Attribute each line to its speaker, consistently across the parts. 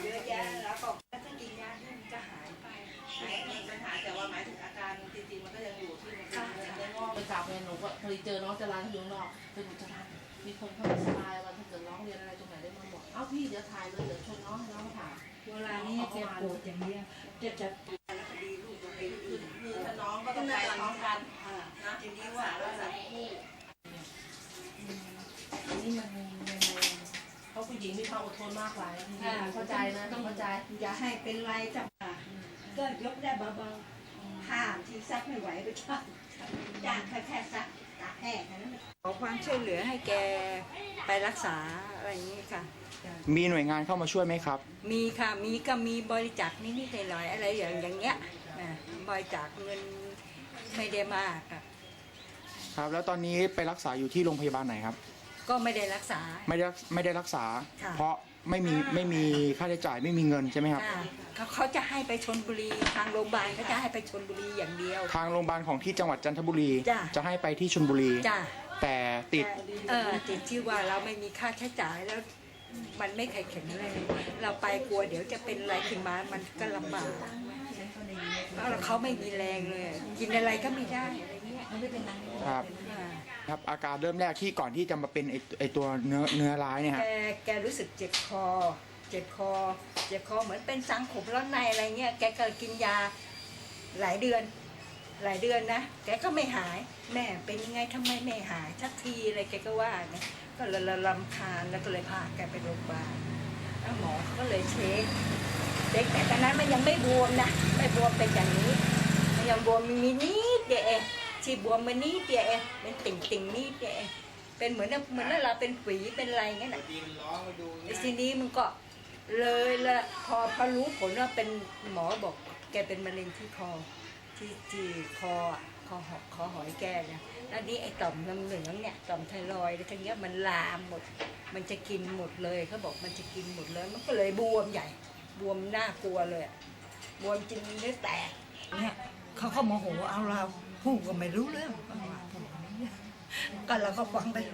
Speaker 1: เยอะแยะแล้วก็ถ้ากินยาที่มันจะหายไปมันหายแต่ว่าหมายถึงอาการจริงๆมันก็ยังอยู่ที่มันได้งอกไปกลับเนี่ยหนูก็พอดีเจอน้องจรัญที่อยู่นอกคือหนูจรัญมีคนเข้ามาสบายว่าถ้าเกิดร้องเรียนอะไรตรงไหนได้มาบอกเอ้าพี่เดี๋ยวถ่ายเลยเดี๋ยวชวนน้องให้น้องมาถาม
Speaker 2: เวลานี้แกปวดอย่างเนี้ยจะ
Speaker 1: คดีลูกตัวเองคือถ้าน้องก็ต้องไปพร้อมกันนะทีนี้ว่าเราจะคู่
Speaker 2: นี่มัน
Speaker 1: เพราะผู้หญิงมีความอดทนมากหลายเข้าใจนะต้องเข้าใจ
Speaker 2: อย่าให้เป็นไรจับก็ยกได้เบาๆห้ามที่ซักไม่ไหวไปจ้างแค่ซักตากแห้งนั้นขอความช่วยเหลือให้แกไปรักษาอะไรอย่างนี้ค่ะ
Speaker 3: มีหน่วยงานเข้ามาช่วยไหมครับ
Speaker 2: มีค่ะมีบริจาคนิดๆหน่อยๆอะไรอย่างเงี้ยบริจาคเงินไม่ได้มาก
Speaker 3: ครับแล้วตอนนี้ไปรักษาอยู่ที่โรงพยาบาลไหนครับ
Speaker 2: ก็ไม่ได้รักษา
Speaker 3: ไม่ได้รักษาเพราะไม่มีค่าใช้จ่ายไม่มีเงินใช่ไหมครับ
Speaker 2: เขาจะให้ไปชลบุรีทางโรงพยาบาลเขาจะให้ไปชลบุรีอย่างเดียว
Speaker 3: ทางโรงพยาบาลของที่จังหวัดจันทบุรีจะให้ไปที่ชลบุรีแต่ติด
Speaker 2: ที่ว่าเราไม่มีค่าใช้จ่ายแล้วมันไม่แข็งเลยเราไปกลัวเดี๋ยวจะเป็นอะไรขึ้นมามันก็ลำบากแล้วเขาไม่มีแรงเลยกินอะไรก็ไม่ได้อะไรเงี้ยไม่เป็นไร
Speaker 3: ครับอาการเริ่มแรกที่ก่อนที่จะมาเป็นไอตัวเนื้อร้ายเนี่ย
Speaker 2: แกรู้สึกเจ็บคอเหมือนเป็นสังขมร้อนในอะไรเงี้ยแกก็กินยาหลายเดือนนะแกก็ไม่หายแม่เป็นยังไงทำไมไม่หายสักทีอะไรแกก็ว่าเนี่ยก็เลยรำคาญแล้วก็เลยพาแกไปโรงพยาบาลแล้วหมอก็เลยเช็คแต่ตอนนั้นมันยังไม่บวมนะไม่บวมเป็นอย่างนี้มันยังบวมมีนิดเดียวที่บวมมันนิดเดียวเป็นติ่งนิดเดียวเป็นเหมือนเราเป็นฝีเป็นอะไรเงี้ยนะทีนี้มันก็เลยละพอรู้ผลว่าเป็นหมอบอกแกเป็นมะเร็งที่คอที่คอหอยแกเนี่ยแล้วนี่ไอ้ต่อมน้ำเหลืองเนี่ยต่อมไทรอยด์ทั้งเนี้ยมันลามหมดมันจะกินหมดเลยเขาบอกมันจะกินหมดเลยมันก็เลยบวมใหญ่บวมน่ากลัวเลยบวมจนเนื้อแตกเนี่ยเขาโมโหเอาเราพูดก็ไม่รู้เรื่องก็เราก็ฟังไป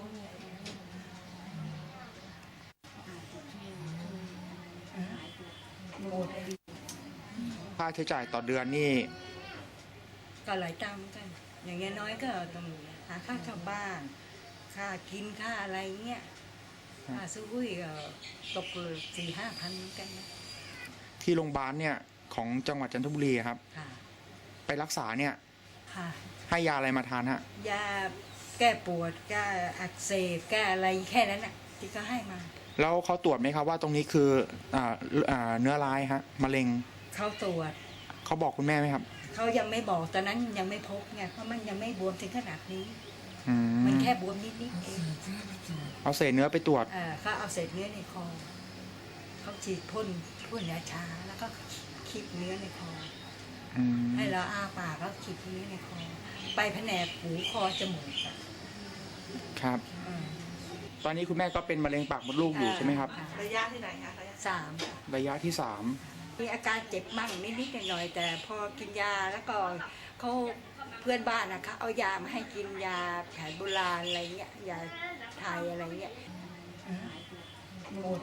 Speaker 3: ค่าใช้จ่ายต่อเดือนนี่
Speaker 2: ก็หลายตังค์กันอย่างเงี้ยน้อยก็ต้องหาค่าเช่าบ้านค่ากินค่าอะไรเงี้ยค่าซื้อหุ้ยก็ตกเลย4-5 พันเหมือนกันนะ
Speaker 3: ที่โรงพยาบาลเนี่ยของจังหวัดจันทบุรีครับไปรักษาเนี่ยให้ยาอะไรมาทานฮะ
Speaker 2: ยาแก้ปวดแก้อักเสบแก้อะไรแค่นั้นน่ะที่ก็ให้มา
Speaker 3: แล้วเขาตรวจไหมครับว่าตรงนี้คือเนื้อร้ายฮะมะเร็ง
Speaker 2: เขาตรวจ
Speaker 3: เขาบอกคุณแม่ไหมครับ
Speaker 2: เขายังไม่บอกตอนนั้นยังไม่พบไงเพราะมันยังไม่บวมถึงขนาดนี้มันแค่บวมนิดเอง
Speaker 3: เอาเศษเนื้อไปตรวจ
Speaker 2: เขาเอาเศษเนื้อในคอเขาฉีดพ่นยาชาแล้วก็คีบเนื้อในคอให้เราอ้าปากแล้วคีบเนื้อในคอไปแผนกหูคอจมูก
Speaker 3: ครับตอนนี้คุณแม่ก็เป็นมะเร็งปากมดลูกอยู่ใช่ไหมครับ
Speaker 1: ระยะที่ไหนคะ
Speaker 3: ระยะที่ 3
Speaker 2: มีอาการเจ็บมั่งนิดหน่อยแต่พอกินยาแล้วก็เขาเพื่อนบ้านนะคะเอายามาให้กินยาแผนโบราณอะไรเงี้ยยาไทยอะไรเงี้ยหมด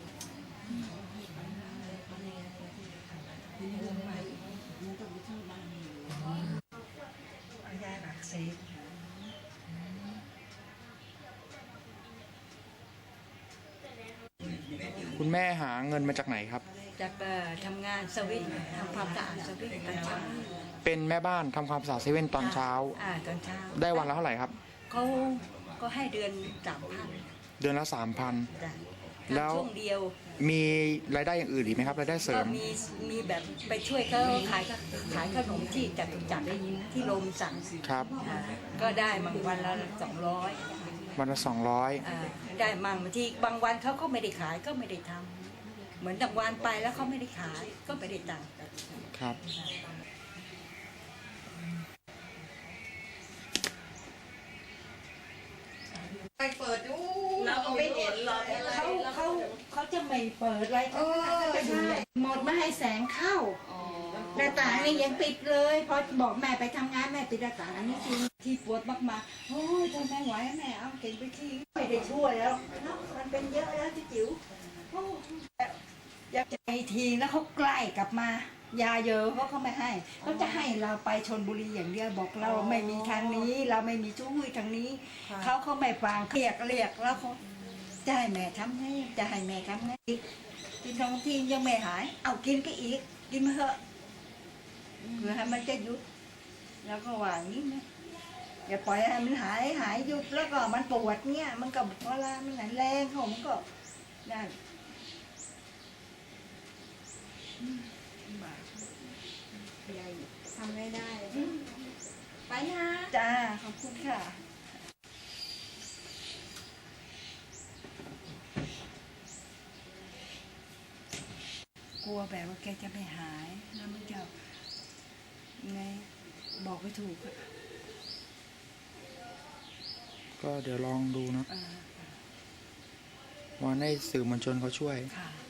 Speaker 2: ยาอักเสบ
Speaker 3: คุณแม่หาเงินมาจากไหนครับ
Speaker 2: จากทำงานสวิตทำความสะอาดสวิตตอนเช้า
Speaker 3: เป็นแม่บ้านทำความสะอาดเซเว่นตอนเช้า
Speaker 2: ตอนเช้า
Speaker 3: ได้วันละเท่าไหร่ครับ
Speaker 2: เขาก็ให้เดือน3,000
Speaker 3: เดือนละ 3,000แล้ว
Speaker 2: ช่วงเดียว
Speaker 3: มีรายได้อย่างอื่นอีกไหมครับรายได้เสริม
Speaker 2: มีแบบไปช่วยเขาขายขนมที่จตุจักรที่โรมสั่ง
Speaker 3: ครับ
Speaker 2: ก็ได้บางวันละ200
Speaker 3: วันละ200
Speaker 2: ได้มั่งบางทีบางวันเขาก็ไม่ได้ขายก็ไม่ได้ทำเหมือนบางวันไปแล้วเขาไม่ได้ขายก็ไม่ได้ตังค์
Speaker 3: ครับ
Speaker 1: ไปเปิดดูเราก็ไม่เห็นหรอก
Speaker 2: เขาจะไม่เปิดอะไรเขาจะอยู่หมดไม่ให้แสงเข้าหน้าต่างนี่ยังปิดเลยพอบอกแม่ไปทำงานแม่ปิดหน้าต่างอันนี้ที่ปวดมากๆโอ้ยทนไม่ไหวแม่เอาเก่งไปที่ไม่ได้ช่วยแล้วมันเป็นเยอะแล้วที่จิ๋วยาไปทีแล้วเขาใกล้กลับมา ยาเยอะเขาก็ไม่ให้เขาจะให้เราไปชลบุรีอย่างเดียวบอกเราไม่มีทางนี้ เราไม่มีช่วยทางนี้
Speaker 1: ค่ะ
Speaker 2: เขาไม่ฟังเรียกแล้วเขาจะให้แม่ทำไงจะให้แม่ทำไงกินท้องที่ยังไม่หาย เอากินก็อีก กินมาเถอะเพื่อให้มันจะหยุด แล้วก็ว่าอย่างนี้นะอย่าปล่อยให้มันหายหยุดแล้วก็มันปวดเนี่ยมันก็เวลามันไหนแรงของมันก็ได้บาปใหญ่
Speaker 4: ทำไม่ได้ ไปนะ
Speaker 2: จ้าขอบคุณค่ะ กลัวแบบว่าแกจะไม่หายแล้วมันจะไงบอกไม่ถูกอะ
Speaker 3: ก็เดี๋ยวลองดูนะ
Speaker 2: เออ
Speaker 3: วันให้สื่อมวลชนเขาช่วย
Speaker 2: ค่ะ